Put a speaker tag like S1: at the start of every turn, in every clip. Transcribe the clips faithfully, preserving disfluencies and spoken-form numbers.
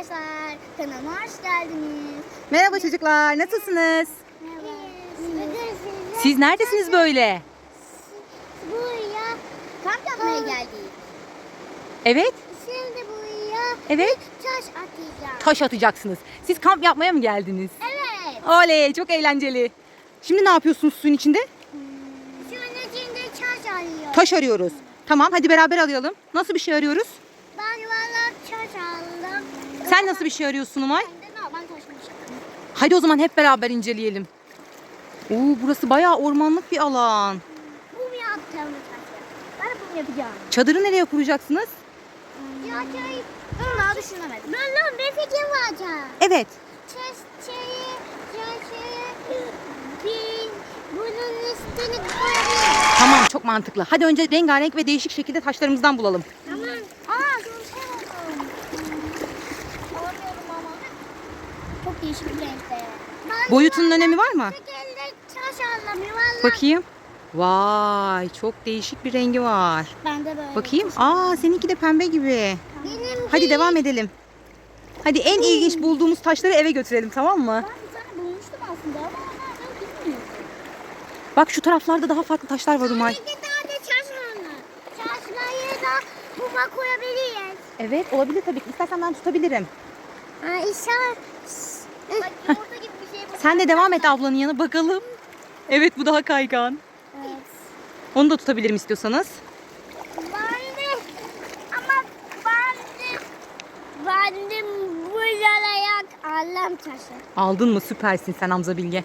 S1: arkadaşlar, kanalıma hoş geldiniz.
S2: Merhaba çocuklar, nasılsınız?
S1: Merhaba. Bugün size
S2: Siz neredesiniz böyle?
S1: buraya kamp yapmaya geldik.
S2: Evet,
S1: Şimdi buraya
S2: evet.
S1: taş atacağım.
S2: Taş atacaksınız. Siz kamp yapmaya mı geldiniz?
S1: Evet.
S2: Oley, çok eğlenceli. Şimdi ne yapıyorsunuz suyun içinde?
S1: Şunun içinde taş arıyor.
S2: Taş arıyoruz. Tamam, hadi beraber arayalım. Nasıl bir şey arıyoruz?
S1: Ben valla taş aldım.
S2: Sen nasıl bir şey arıyorsun Umay?
S1: Ben de normal taş bulmuşum.
S2: Hadi o zaman hep beraber inceleyelim. Oo, burası bayağı ormanlık bir alan.
S1: Bum yapacağım taşı. Ben de bum yapacağım.
S2: Çadırı nereye kuracaksınız?
S1: Ya şey, bunu daha düşünemedim. Ben lan bir fikrim var.
S2: Evet.
S1: Çeşçeyi, çeşçeyi, bir bunun üstüne koyabiliriz.
S2: Tamam, çok mantıklı. Hadi önce rengarenk ve değişik şekilde taşlarımızdan bulalım.
S1: Tamam. Aa, dur şey oldu. Alamıyorum ama. Çok değişik bir renkte.
S2: Boyutunun önemi var mı?
S1: Tek elle taş aldım yuvarlak.
S2: Bakayım. Vay, çok değişik bir rengi var.
S1: Ben de böyle.
S2: Bakayım. Aa, seninki de pembe gibi.
S1: Benim
S2: Hadi devam edelim. Hadi en ilginç bulduğumuz taşları eve götürelim, tamam mı?
S1: Ben bir tane bulmuştum aslında ama nereden bilmiyorum.
S2: Bak şu taraflarda daha farklı taşlar var Umay.
S1: Bir tane taş var. Taşları da buma koyabiliriz.
S2: Evet, olabilir tabii ki. İstersen ben tutabilirim.
S1: Aa, işaret. Bak yumurta gibi bir şey bu.
S2: Sen de devam et ablanın yanına bakalım. Evet, bu daha kaygan.
S1: Evet.
S2: Onu da tutabilirim istiyorsanız.
S1: Ben de ama ben de ben de bu yalayak alem taşı.
S2: Aldın mı? Süpersin sen Hamza Bilge.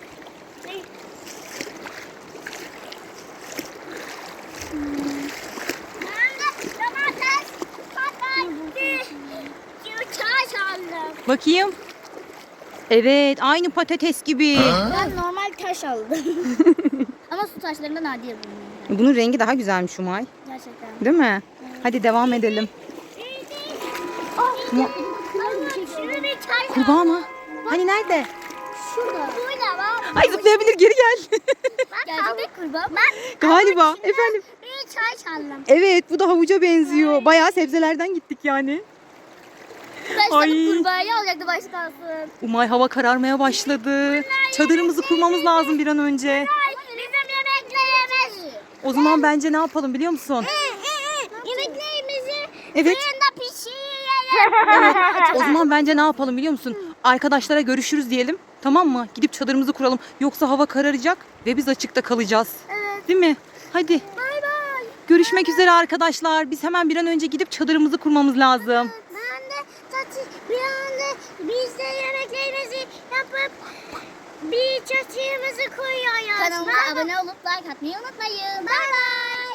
S1: Ben de domates, patates, taş aldım.
S2: Bakayım. Evet, aynı patates gibi.
S1: Ben normal taş aldım. Ama su taşlarında nadir bulunuyor.
S2: Bunun rengi daha güzelmiş Umay.
S1: Gerçekten.
S2: Değil mi? Hadi devam edelim. Mu-
S1: Şurada bir taş
S2: Kurbağa mı? Hani nerede?
S1: Şurada. Burada var.
S2: Ay zıplayabilir, geri gel.
S1: Gerçekten kurbağa. Ben
S2: Galiba. Efendim.
S1: bir çay aldım.
S2: Evet, bu da havuca benziyor. Bayağı sebzelerden gittik yani.
S1: Başta
S2: Ay.
S1: bu kurbağayı alacaktı başta kalsın.
S2: Umay, hava kararmaya başladı. Çadırımızı kurmamız lazım bir an önce.
S1: Bizim yemeklerimiz.
S2: O zaman bence ne yapalım biliyor musun?
S1: Yemeklerimizi
S2: Evet.
S1: fırında pişirelim.
S2: O zaman bence ne yapalım biliyor musun? Arkadaşlara görüşürüz diyelim. Tamam mı? Gidip çadırımızı kuralım. Yoksa hava kararacak ve biz açıkta kalacağız.
S1: Evet.
S2: Değil mi? Hadi.
S1: Bay bay.
S2: Görüşmek üzere arkadaşlar. Biz hemen bir an önce gidip çadırımızı kurmamız lazım.
S1: Ben de taçı bir anda biz de yemeklerimizi yapıp bir çatıyımızı koyuyoruz. Kanalıma abone olup like atmayı unutmayın. Bay bay.